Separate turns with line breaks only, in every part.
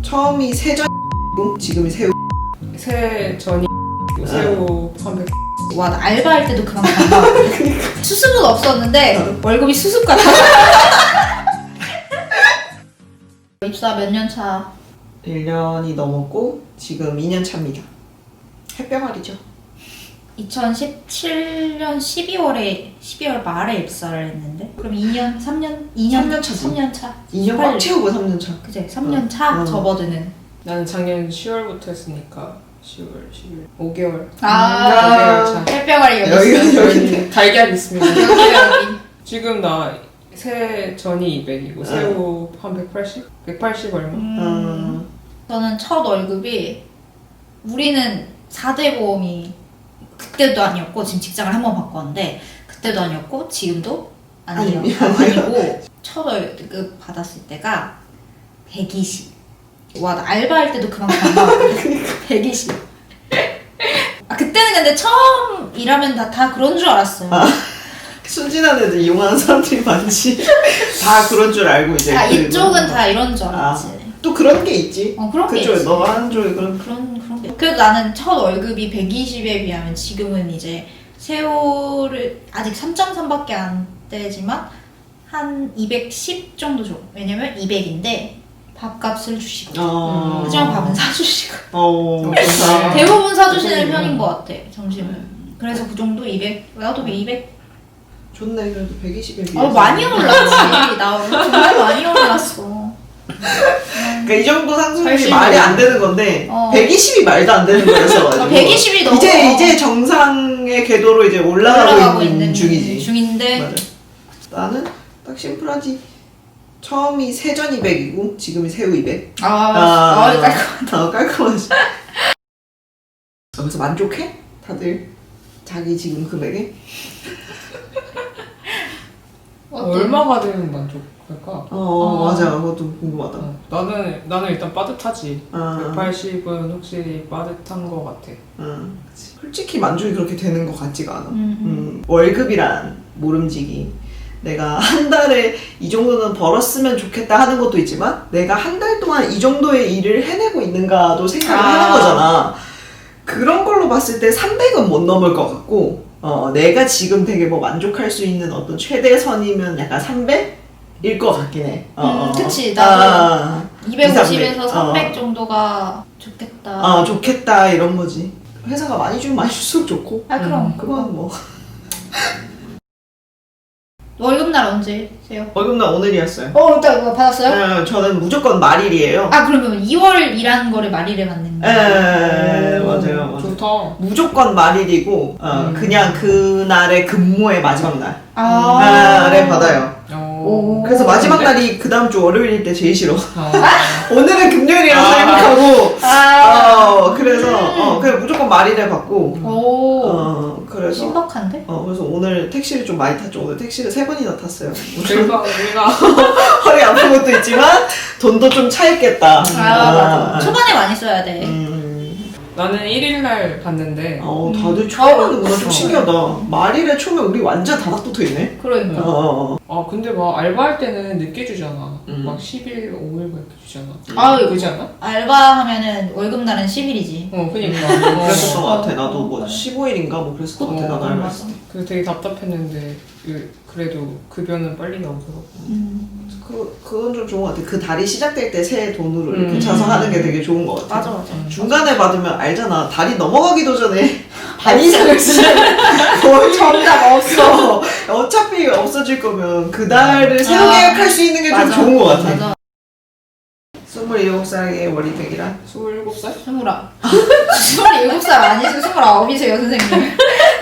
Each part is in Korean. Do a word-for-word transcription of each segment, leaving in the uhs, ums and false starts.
처음이 세전이고 지금이 새우.
세전이 새우 삼백.
와, 나 알바할 때도 그만큼 안 나왔어. 수습은 없었는데 월급이 수습 같아. 입사 몇 년 차?
일 년이 넘었고 지금 이 년 차입니다. 햇병아리죠.
이천십칠 년 십이월에 십이월 말에 입사를 했는데 그럼 이 년, 삼 년, 이 년,
삼 년 차지.
삼 년 차.
이 년 꽉 채우고 삼 년 차.
그치, 삼 년 차
어.
접어드는.
나는 작년 시월부터 했으니까 시월, 십일, 오 개월.
아,
오 개월 차.
햇병아리 여기
여기,
있어.
여기.
달걀 있습니다.
여기 여기.
지금 나 세전이 이백이고 새우 한 백팔십? 백팔십 얼마?
음, 저는 첫 월급이 우리는 사 대 보험이 그때도 아니었고 지금 직장을 한 번 바꿨는데 그때도 아니었고 지금도 아니에요.
아니,
어, 아니고 첫 월급 받았을 때가 백이십. 와, 나 알바할 때도 그만큼 안 나왔거든. 백이십. 아, 그때는 근데 처음 일하면 다, 다 그런 줄 알았어요.
아, 순진한 애들 이용하는 사람들이 많지. 다 그런 줄 알고 이제.
아,
그
이쪽은
뭐-
다 이런 줄 알았지.
아, 또 그런 게 있지.
어, 그런 게
그쪽에
있지.
너가 하는 쪽에 그런.
그런 그런 게. 그래도 나는 첫 월급이 백이십에 비하면 지금은 이제 새우를 아직 삼 점 삼밖에 안 되지만 한 이백십 정도 줘. 왜냐면 이백인데 밥값을 주시고.
어.
하지만 밥은 사주시고.
어.
어,
그렇구나.
대부분 사주시는
음.
편인 것 같아. 점심은. 그래서 그 정도 이백. 나도 이백.
좋네. 그래도 백이십에 비해서.
어, 많이 올랐지. 나 정말 많이 올랐어.
그러니까 이 정도 상승률이
팔십이
말이 안 되는 건데
어.
백이십이 말도 안 되는 거여서 가지고.
백이십이 너무
이제 이제 정상의 궤도로 이제 올라가고,
올라가고
있는,
있는
중이지.
중인데.
맞아. 나는 딱 심플하지. 처음이 세전 이백이고 지금이 새우 이백.
아, 아, 깔끔.
아, 깔끔하지. 그래서 만족해? 다들 자기 지금 금액에?
얼마가 되면 만족할까?
어, 어 맞아. 그것도 궁금하다.
어, 나는 나는 일단 빠듯하지.
아.
백팔십은 확실히 빠듯한 것 같아.
응, 그치. 솔직히 만족이 그렇게 되는 것 같지가 않아.
음, 음.
음, 월급이란 모름지기. 내가 한 달에 이 정도는 벌었으면 좋겠다 하는 것도 있지만 내가 한 달 동안 이 정도의 일을 해내고 있는가도 생각을
아.
하는 거잖아. 그런 걸로 봤을 때 삼백은 못 넘을 것 같고 어, 내가 지금 되게 뭐 만족할 수 있는 어떤 최대선이면 약간 삼백일 것 같긴 해. 어,
음, 그치.
아,
나도
아,
이백오십에서
이삼백.
삼백
어.
정도가 좋겠다.
아, 좋겠다 이런 거지. 회사가 많이 주면 많이 줄수록 좋고.
아, 그럼.
음,
그건 뭐
월급날 언제세요?
월급날 오늘이었어요.
어, 일단 그거 받았어요?
네, 저는 무조건 말일이에요.
아, 그러면 이월 일한 거를 말일에 받는
예,
거예요?
맞아요, 맞아요.
좋다.
무조건 말일이고 어,
음.
그냥 그날의 근무의 마지막 날
아.
날에 받아요.
어.
그래서 마지막 날이 그 다음 주 월요일일 때 제일 싫어.
어.
오늘은 금요일이라서
아.
행복하고
아.
어, 그래서 어, 그냥 무조건 말일에 받고
오.
어, 그래서
신박한데?
어, 그래서 오늘 택시를 좀 많이 탔죠. 오늘 택시를 세 번이나 탔어요.
우리가 우리가
허리 아픈 것도 있지만 돈도 좀 차있겠다.
아, 맞아. 초반에 많이 써야 돼.
음.
나는 일 일 날 봤는데
어, 다들 초에 하는구나. 좀
어.
신기하다. 말일에 초면 우리 완전 다닥 붙어 있네.
그러니까.
어, 어,
아 근데 막 알바할 때는 늦게 주잖아.
음.
막 십 일, 오 일 이렇게 주잖아.
아유.
그러지 않아?
알바하면은 월급날은 십 일이지.
어 그니까.
그랬었던 것 같아.
어,
나도 뭐
맞아.
십오 일인가 뭐 그랬었던 것 같아.
어,
나도 알고
맞아.
있어.
그래서 되게 답답했는데 그- 그래도 급여는 빨리 나오더라고.
음.
그, 그건 좀 좋은 것 같아. 그 달이 시작될 때 새 돈으로 이렇게
음.
차서 하는 게 되게 좋은 것 같아.
맞아, 맞아.
중간에 받으면 알잖아. 달이 넘어가기도 전에 반 이상을 쓰면 뭐
정답 없어.
어차피 없어질 거면 그 달을 새로
아,
계약할 수 있는 게 좀
맞아.
좋은 것 같아.
맞아.
스물일곱 살의 월이백이란
스물일곱 살?
스물아. 스물일곱 살 아니세요? 스물아홉이세요, 선생님.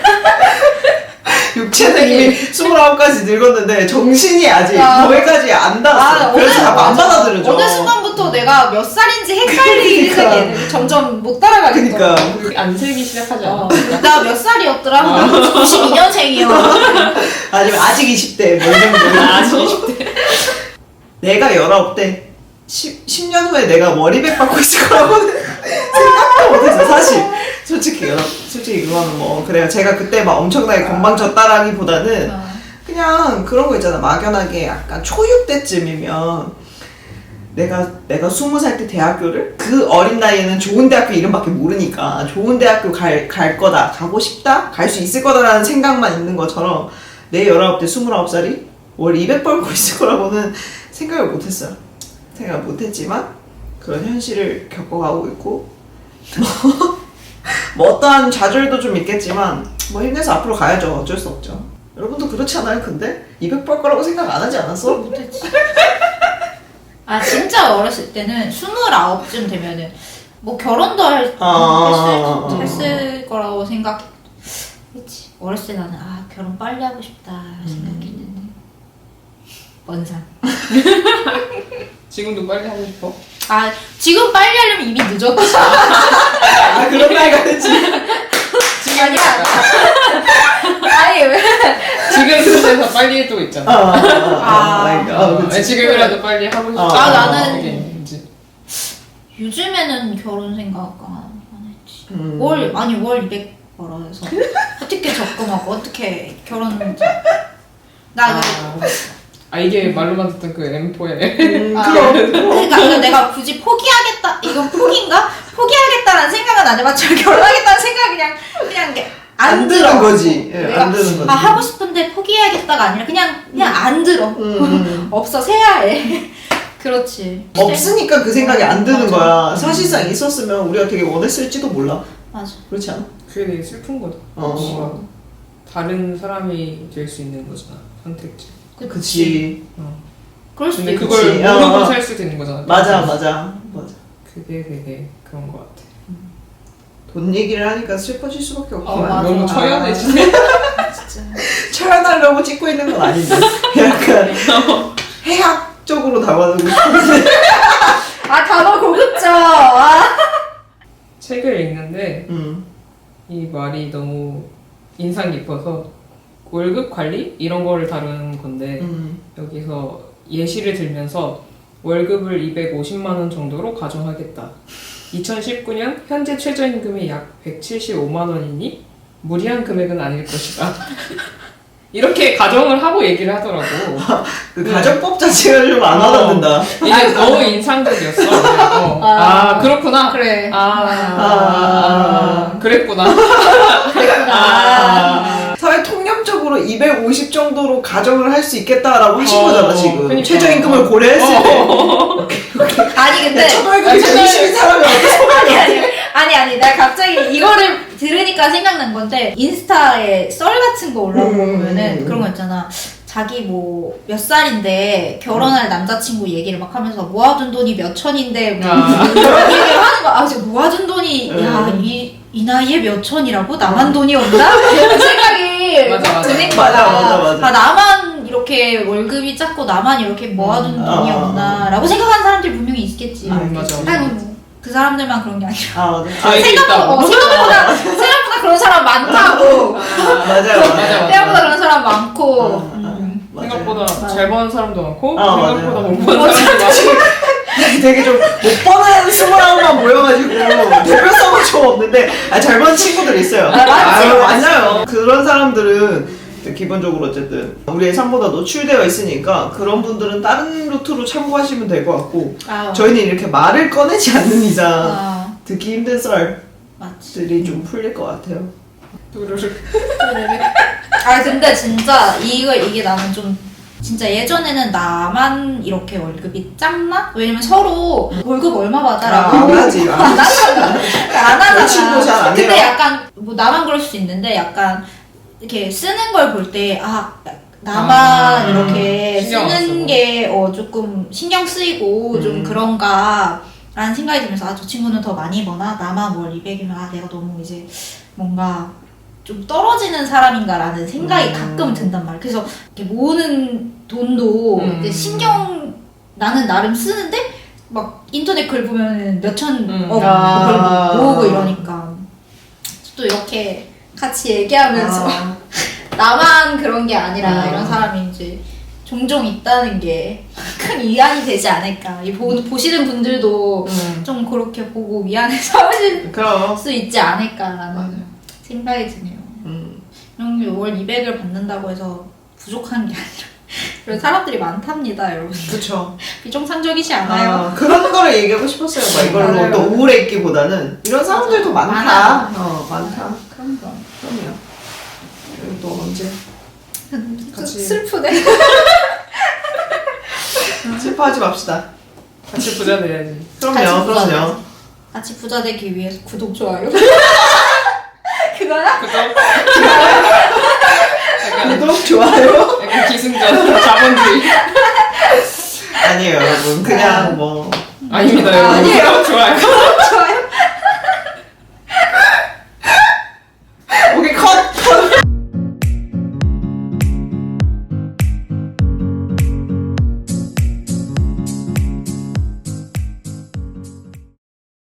육체는 이미 스물아홉까지 늙었는데 정신이 아직
아.
거기까지 안 닿았어. 그래서 잘 안 받아들여져.
어느 순간부터 내가 몇 살인지 헷갈리기
그러니까.
시작해. 점점 못 따라가겠더라고.
그니까
안 세기 시작하지 않아?
어, 나 몇 살이었더라? 구십이 년생이요.
아니면 아직 이십 대 뭐 이 정도.
아직 이십 대.
내가 열아홉 대 십 년 후에 내가 월이백 받고 있을 거라고는 생각도 못했어 사실. 솔직히 솔직히 그거는 뭐 그래요. 제가 그때 막 엄청나게 건방졌다라기보다는
어.
그냥 그런 거 있잖아. 막연하게 약간 초육 때쯤이면 내가 내가 스무 살 때 대학교를 그 어린 나이에는 좋은 대학교 이름밖에 모르니까 좋은 대학교 갈, 갈 거다, 가고 싶다, 갈 수 있을 거다라는 생각만 있는 것처럼 내 열아홉 때 스물아홉 살이 월 이백 벌고 있을 거라고는 생각을 못했어요. 생각 못했지만 그런 현실을 겪어가고 있고 뭐, 뭐 어떠한 좌절도 좀 있겠지만 뭐 힘내서 앞으로 가야죠. 어쩔 수 없죠. 여러분도 그렇지 않아요? 근데 이백 벌 거라고 생각 안 하지 않았어?
못했지. 아 진짜 어렸을 때는 스물아홉쯤 되면은 뭐 결혼도 할,
아,
했을, 했을 거라고 생각했지. 어렸을 때 나는 아 결혼 빨리 하고 싶다 생각했는데 먼 산.
지금도 빨리 하고 싶어?
아 지금 빨리 하려면 이미 늦었지.
아, 그런 나이가 됐지.
아니야. 아니 왜?
지금 그래서 빨리 해도 있잖아.
아, 아,
아.
아, 아,
어,
그치.
지금이라도 빨리 하고 싶어.
아,
나는-
그게 이제
요즘에는 결혼 생각 안 했지.
음.
월 아니 월 이백 벌어서 어떻게 적금하고 어떻게 결혼 나
아, 아 이게 말로만 듣던 그 엠포의
음,
아,
그럼.
그러니까 이거 내가 굳이 포기하겠다 이건 포기인가? 포기하겠다라는 생각은 안 해봤지만 결혼하겠다는 생각 그냥 그냥 이게 안,
안
들어.
드는 거지. 예,
내가
안 드는 거지.
아 하고 싶은데 포기해야겠다가 아니라 그냥 그냥 안 들어.
음, 음.
없어 새야해. 그렇지.
없으니까 그 생각이 안 드는
맞아.
거야. 사실상 있었으면 우리가 되게 원했을지도 몰라.
맞아.
그렇지 않아?
그게 되게 슬픈 거다.
어.
뭔가 다른 사람이 될 수 있는 거잖아. 선택지.
그치.
어.
그럴 수도
근데
있고.
그걸
그치. 어,
모르고
어.
살 수도 있는 거잖아.
맞아, 맞아. 맞아.
그게 되게 그런 거 같아.
돈 얘기를 하니까 슬퍼질 수밖에 없구나.
어, 맞아.
너무 처연해지네.
진짜.
철연하려고 찍고 있는 건 아닌데. 약간 해학적으로 담아두고 싶은데.
아 단어 고급져. 아.
책을 읽는데
음.
이 말이 너무 인상 깊어서 월급 관리 이런 거를 다루는 건데
음.
여기서 예시를 들면서 월급을 이백오십만 원 정도로 가정하겠다. 이천십구 년 현재 최저임금이 약 백칠십오만 원이니 무리한 금액은 아닐 것이다. 이렇게 가정을 하고 얘기를 하더라고.
그
네.
가정법 자체가 좀 안
어.
와닿는다.
이게 너무 인상적이었어. 어. 아,
아,
그렇구나.
그래.
아, 아, 아, 그랬구나.
아, 사회 통념적으로 이백오십 정도로 가정을 할 수 있겠다라고 하신
어,
거잖아, 지금.
그러니까.
최저임금을 고려했을 때.
어.
아니 근데
초월급이
아니,
백이십인 사람이 어떻게
아니 아니 아니 아니 내가 갑자기 이거를 들으니까 생각난 건데 인스타에 썰 같은 거 올라오면은
음.
그런 거 있잖아. 자기 뭐 몇 살인데 결혼할 남자친구 얘기를 막 하면서 모아둔 돈이 몇 천인데 뭐
아.
이런 얘기를 하는 거야. 아 진짜 모아둔 돈이
음.
야이 이 나이에 몇 천이라고? 나만 돈이 없나? 이런 생각이
맞아, 맞아.
드는 거야.
맞아, 맞아, 맞아.
아, 나만 이렇게 월급이 작고 나만 이렇게 모아둔
음.
돈이
아.
없나라고 생각하는 사람들이 분명히 있겠지.
음, 맞아.
아이고 뭐, 그 사람들만 그런 게 아니라
아, 맞아.
저희도
생각보다
있다고.
어, 생각보다 생각보다 그런 사람 많다고.
맞아요,
맞아,
맞아요.
맞아.
생각보다 그런 사람 많고.
아,
음.
맞아요.
생각보다
맞아.
잘 버는 사람도 많고
아, 맞아요.
생각보다 못 버는 사람도 많고
되게 좀 못 버는 스물아홉만 모여가지고 대표성은 좀 없는데 아, 잘 버는 친구들 있어요.
아, 맞지,
아유,
맞지.
맞아요. 그런 사람들은 기본적으로 어쨌든 우리의 삶보다 노출되어 있으니까 그런 분들은 다른 루트로 참고하시면 될 것 같고
아,
저희는 이렇게 말을 꺼내지 않는 이상
아,
듣기 힘든 썰들이
맞지.
좀 풀릴 것 같아요.
두루룩.
아 근데 진짜 이거 이게 나는 좀 진짜 예전에는 나만 이렇게 월급이 작나? 왜냐면 서로 월급 얼마 받아라고
아, 안 하지, 안
안 하잖아. 안
여친도 잘안
하잖아. 근데
해요.
약간 뭐 나만 그럴 수 있는데 약간 이렇게 쓰는 걸 볼 때 아 나만
아,
이렇게
신경 안 쓰고.
쓰는 게 어 조금 신경 쓰이고 좀
음.
그런가 라는 생각이 들면서 아 저 친구는 더 많이 버나 나만 월 이백이면 아 내가 너무 이제 뭔가 좀 떨어지는 사람인가라는 생각이
음.
가끔 든단 말이야. 그래서 이렇게 모으는 돈도
음.
이제 신경 나는 나름 쓰는데 막 인터넷 글 보면 몇천
음.
억
아.
모으고 이러니까 또 이렇게 같이 얘기하면서
아,
나만 그런 게 아니라
아.
이런 사람이 이제 종종 있다는 게 큰 위안이 되지 않을까. 이 보, 보시는 분들도
음.
좀 그렇게 보고 위안을 삼으실
그럼.
수 있지 않을까라는
맞아요.
생각이 드네요.
음.
이런 게 월 이백을 받는다고 해서 부족한 게 아니라 그런 사람들이 많답니다, 여러분.
그쵸.
비정상적이지 않아요.
아, 그런 거를 얘기하고 싶었어요. 막 이걸로
맞아요.
또 우울해 있기보다는 이런 사람들도 많다.
많아.
어, 많다.
그런 거.
그럼요. 그리고 또 언제 같이-
슬프네.
슬퍼하지 맙시다.
같이 부자 돼야지.
그럼요,
같이 부자
그럼요.
같이 부자 되기 위해서 구독, 좋아요. 그거야?
그죠? 약간,
구독, 좋아요.
약간 기승전, 자본주의.
아니에요, 여러분. 그냥 뭐
아닙니다, 여러분.
아니에요.
구독, 좋아요.